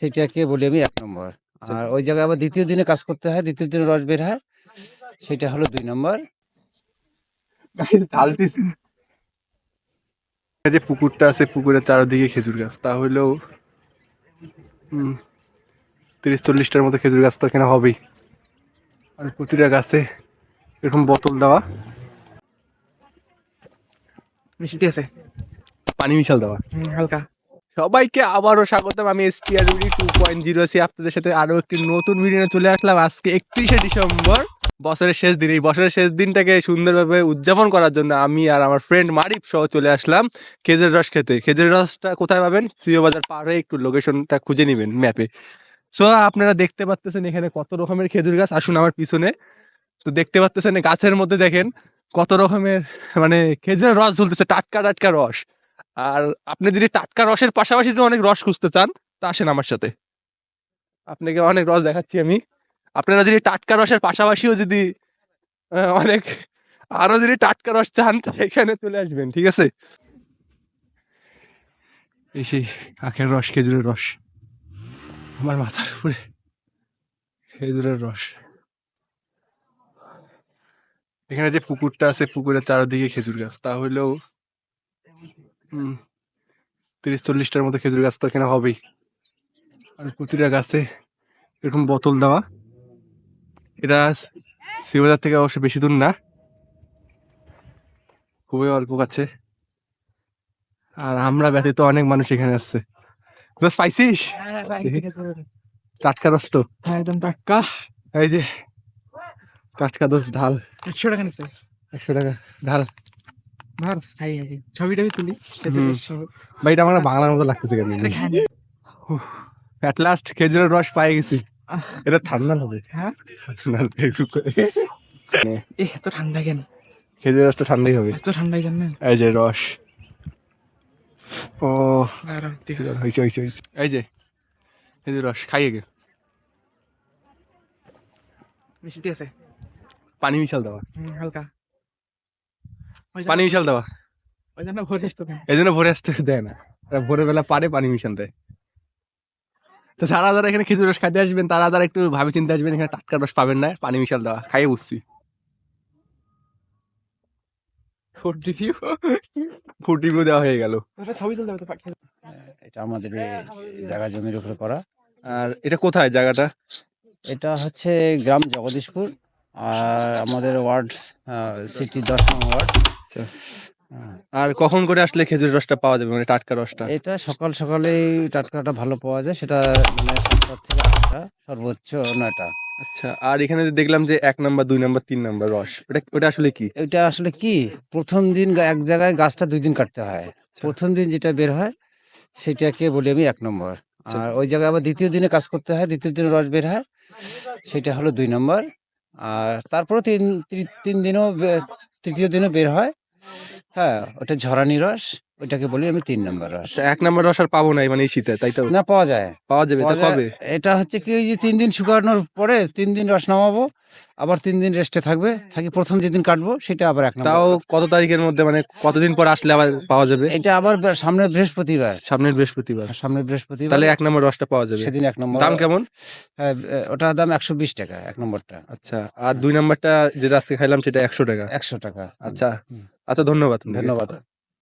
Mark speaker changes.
Speaker 1: সেটাকে বলি আমি ১ নম্বর। আর ওই জায়গায় আবার ২য় দিনে কাজ করতে হয়, ২য় দিনে রস বের হয়, সেটা হলো ২ নম্বর।
Speaker 2: ঢালতেছি যে পুকুরটা আছে, পুকুরের চারদিকে খেজুর গাছ, তাহলেও ৩০-৪০টার মতো খেজুর গাছ তো এখানে হবেই। আর প্রতিটা গাছে এরকম বোতল দেওয়া,
Speaker 3: মিষ্টি আছে,
Speaker 2: পানি মিশাল দেওয়া।
Speaker 3: হালকা।
Speaker 2: সবাইকে আবারও স্বাগতম। আমি এসপিআর 2.0 আছি আপনাদের সাথে আরো একটি নতুন ভিডিও নিয়ে চলে আসলাম। আজকে 31শে ডিসেম্বর, বছরের শেষ দিন। এই বছরের শেষ দিনটাকে সুন্দরভাবে উদযাপন করার জন্য আমি আর আমার ফ্রেন্ড মারিফ সহ চলে আসলাম খেজুর রস খেতে। খেজুর রসটা কোথায় পাবেন? সিও বাজার পার হয়ে একটু লোকেশনটা খুঁজে নেবেন ম্যাপে। সো আপনারা দেখতে পাচ্ছেন এখানে কত রকমের খেজুর গাছ। আসুন আমার পিছনে, তো দেখতে পাচ্ছেন গাছের মধ্যে দেখেন কত রকমের মানে খেজুরের রস ঝুলতেছে, টাটকা টাটকা রস। আর আপনি যদি টাটকা রসের পাশাপাশি যদি অনেক রস খুঁজতে চান তা আসেন আমার সাথে, আপনাকে অনেক রস দেখাচ্ছি আমি। আপনারা যদি টাটকা রসের পাশাপাশিও যদি অনেক আরো যদি টাটকা রস চান এখানে চলে আসবেন, ঠিক আছে? এই সেই আখের রস, খেজুরের রস, আমার মাথার উপরে খেজুরের রস। এখানে যে পুকুরটা আছে, পুকুরের চারদিকে খেজুর গাছ, তাহলেও ৩০-৪০টার মতো খেজুর গাছ তো এখানে হবেই। আর প্রতিটা গাছে এরকম বোতল দেওয়া। এটা শিববাজার থেকে অবশ্য বেশি দূর না, খুবই অল্প কাছে। আর আমরা ব্যতীত অনেক মানুষ এখানে আসছে। দোস্ত পাইছিস টাটকা রস? তো
Speaker 3: একদম টাটকা।
Speaker 2: এই যে টাটকা দোস্ত, ঢাল।
Speaker 3: 100 টাকা নিচ্ছে।
Speaker 2: 100 টাকা ঢাল।
Speaker 3: ভার খাই আছি, ছবিটা তুলি।
Speaker 2: ভাই এটা আমার বাংলার মতো লাগতেছে কেন? অ্যাট লাস্ট খেজুরের রস পাই গেছি। এটা ঠান্ডা হবে।
Speaker 3: হ্যাঁ, এত ঠান্ডা কেন?
Speaker 2: খেজুরের রসটা ঠান্ডাই হবে।
Speaker 3: এত ঠান্ডাই কেন?
Speaker 2: এই যে রস, ও
Speaker 3: আর
Speaker 2: হয়েছে হয়েছে হয়েছে। এই যে খেজুর রস খাইয়ে গে,
Speaker 3: মিষ্টি আছে,
Speaker 2: পানি মিশাল দেওয়া,
Speaker 3: হালকা।
Speaker 2: পানি মিশাল দেওয়া।
Speaker 3: ওই জন্য ভরে আসতো না।
Speaker 2: এই জন্য ভোরে আসতে দেয় না, ভোরের বেলা পারে পানি মিশাল দেয়। তো যারা যারা এখানে খেজুর রস খাইতে আসবেন তারা তারা একটু ভাবে চিন্তে আসবেন, এখানে টাটকা রস পাবেন না, পানি মিশাল দেওয়া। খাইয়ে বুঝছি। ফুড রিভিউ দেওয়া হয়ে গেল।
Speaker 3: ছবি তুলতে হবে তো।
Speaker 1: এটা আমাদের এই জায়গা জমির উপরে করা।
Speaker 2: আর এটা কোথায় জায়গাটা?
Speaker 1: এটা হচ্ছে গ্রাম জগদীশপুর, আর আমাদের ওয়ার্ড সিটি 10 নং ওয়ার্ড।
Speaker 2: আর কখন করে আসলে খেজুর রসটা পাওয়া যাবে, মানে টাটকা রসটা?
Speaker 1: এটা সকাল সকালেই টাটকাটা ভালো পাওয়া যায়, সেটা মানে 7টা থেকে 8টা, সর্বোচ্চ 9টা।
Speaker 2: আচ্ছা, আর এখানে যে দেখলাম যে 1 নাম্বার 2 নাম্বার 3 নাম্বার রস, ওটা আসলে কি?
Speaker 1: এটা আসলে কি, প্রথম দিন এক জায়গায় গাছটা 2 দিন কাটতে হয়। প্রথম দিন যেটা বের হয় সেটাকে বলি আমি 1 নম্বর। আর ওই জায়গায় আবার 2য় দিনে কাজ করতে হয়, 2য় দিনে রস বের হয়, সেটা হলো 2 নম্বর। আর তারপরে তিন দিনও 3য় দিনও বের হয়। হ্যাঁ, ওটা ঝরানি রস, ওইটাকে বলি আমি 3 নম্বর রস।
Speaker 2: আচ্ছা, 1 নাম্বার রস আর পাবো না মানে এই শীতে, তাই তো?
Speaker 1: না, পাওয়া যায়,
Speaker 2: পাওয়া যাবে, তা
Speaker 1: পাওয়া যায়।
Speaker 2: কবে?
Speaker 1: এটা হচ্ছে কি, ওই যে 3 দিন শুকানোর পরে 3 দিন রস নামাবো, আবার 3 দিন রেস্টে থাকি, প্রথম যেদিন কাটবো সেটা আবার 1 নম্বর।
Speaker 2: তাও কত তারিখের মধ্যে, মানে কতদিন পর আসলে আবার পাওয়া যাবে?
Speaker 1: এটা আবার সামনের বৃহস্পতিবার।
Speaker 2: সামনের বৃহস্পতিবার।
Speaker 1: তাহলে
Speaker 2: 1 নাম্বার রসটা পাওয়া যাবে
Speaker 1: সেদিন 1 নম্বর।
Speaker 2: দাম কেমন?
Speaker 1: হ্যাঁ, ওটার দাম 120 টাকা 1 নম্বরটা।
Speaker 2: আচ্ছা, আর 2 নাম্বারটা যেটা আজকে খাইলাম সেটা 100 টাকা।
Speaker 1: 100 টাকা।
Speaker 2: আচ্ছা আচ্ছা, ধন্যবাদ।
Speaker 1: ধন্যবাদ।